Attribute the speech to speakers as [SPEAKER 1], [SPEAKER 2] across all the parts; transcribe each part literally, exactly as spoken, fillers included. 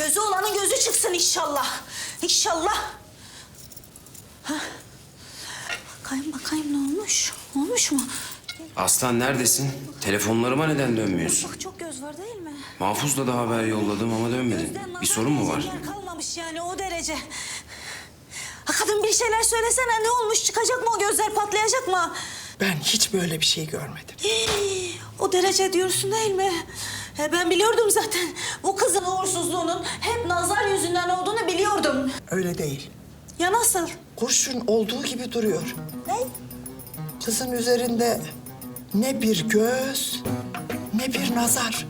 [SPEAKER 1] Gözü olanın gözü çıksın inşallah. İnşallah. Ha. Bakayım bakayım ne olmuş? Olmuş mu?
[SPEAKER 2] Aslan neredesin? Telefonlarıma neden dönmüyorsun?
[SPEAKER 1] Bak çok göz var değil mi?
[SPEAKER 2] Mahfuz'la da haber yolladım ama dönmedin.
[SPEAKER 1] Gözden
[SPEAKER 2] Bir sorun mu var?
[SPEAKER 1] yer kalmamış yani o derece. Ha, kadın bir şeyler söylesene ne olmuş? Çıkacak mı o gözler patlayacak mı?
[SPEAKER 3] Ben hiç böyle bir şey görmedim.
[SPEAKER 1] Hii, o derece diyorsun değil mi? He, ben biliyordum zaten. Bu kızın uğursuzluğunun hep nazar yüzünden olduğunu biliyordum.
[SPEAKER 3] Öyle değil.
[SPEAKER 1] Ya nasıl?
[SPEAKER 3] Kurşun olduğu gibi duruyor.
[SPEAKER 1] Ne?
[SPEAKER 3] Kızın üzerinde ne bir göz, ne bir nazar.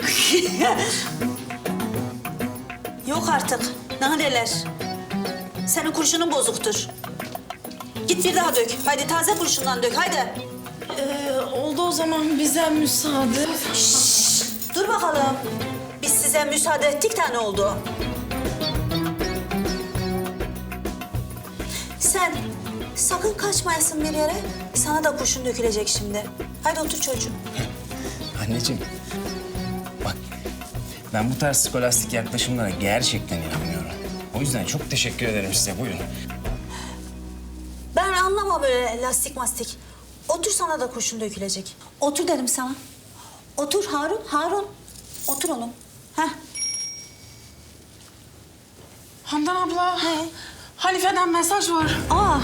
[SPEAKER 1] Yok artık. Naneler. Senin kurşunun bozuktur. Git bir daha dök. Haydi taze kurşundan dök. Haydi.
[SPEAKER 4] Ee, oldu o zaman bize müsaade.
[SPEAKER 1] Şşş, dur bakalım. Biz size müsaade ettik de ne oldu? Sen sakın kaçmayasın bir yere. Sana da kurşun dökülecek şimdi. Haydi otur çocuğum.
[SPEAKER 2] Anneciğim, bak ben bu tarz skolastik yaklaşımlara gerçekten inanmıyorum. O yüzden çok teşekkür ederim size. Buyurun.
[SPEAKER 1] Ben anlamam böyle lastik mastik. Otur sana da kurşun dökülecek. Otur dedim sana. Otur Harun, Harun. Otur oğlum. Heh.
[SPEAKER 4] Handan abla.
[SPEAKER 1] Ne?
[SPEAKER 4] Halife'den mesaj var.
[SPEAKER 1] Aa.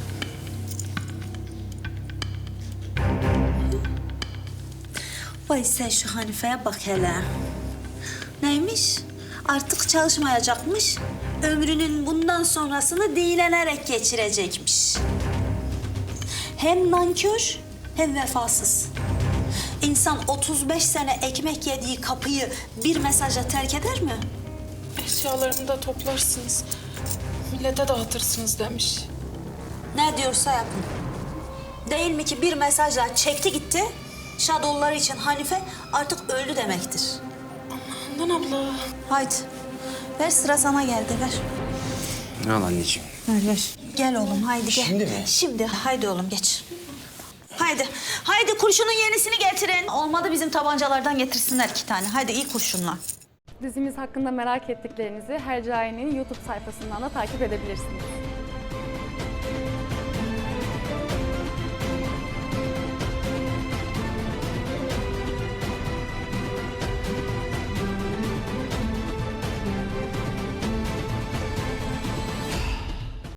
[SPEAKER 1] Vay sen şu Hanife'ye bak hele. Neymiş? Artık çalışmayacakmış. Ömrünün bundan sonrasını dilenerek geçirecekmiş. Hem nankör hem vefasız. İnsan otuz beş sene ekmek yediği kapıyı bir mesajla terk eder mi?
[SPEAKER 4] Eşyalarını da toplarsınız. Millete dağıtırsınız demiş.
[SPEAKER 1] Ne diyorsa yapın. Değil mi ki bir mesajla çekti gitti. Şadolları için Hanife artık öldü demektir.
[SPEAKER 4] Handan abla.
[SPEAKER 1] Haydi. Ver sıra sana geldi ver.
[SPEAKER 2] Al anneciğim.
[SPEAKER 1] Ver ver. Gel oğlum haydi gel.
[SPEAKER 2] Şimdi mi?
[SPEAKER 1] Şimdi haydi oğlum geç. Haydi. Haydi kurşunun yenisini getirin. Olmadı bizim tabancalardan getirsinler iki tane. Haydi iyi kurşunla.
[SPEAKER 5] Dizimiz hakkında merak ettiklerinizi Hercai'nin YouTube sayfasından da takip edebilirsiniz.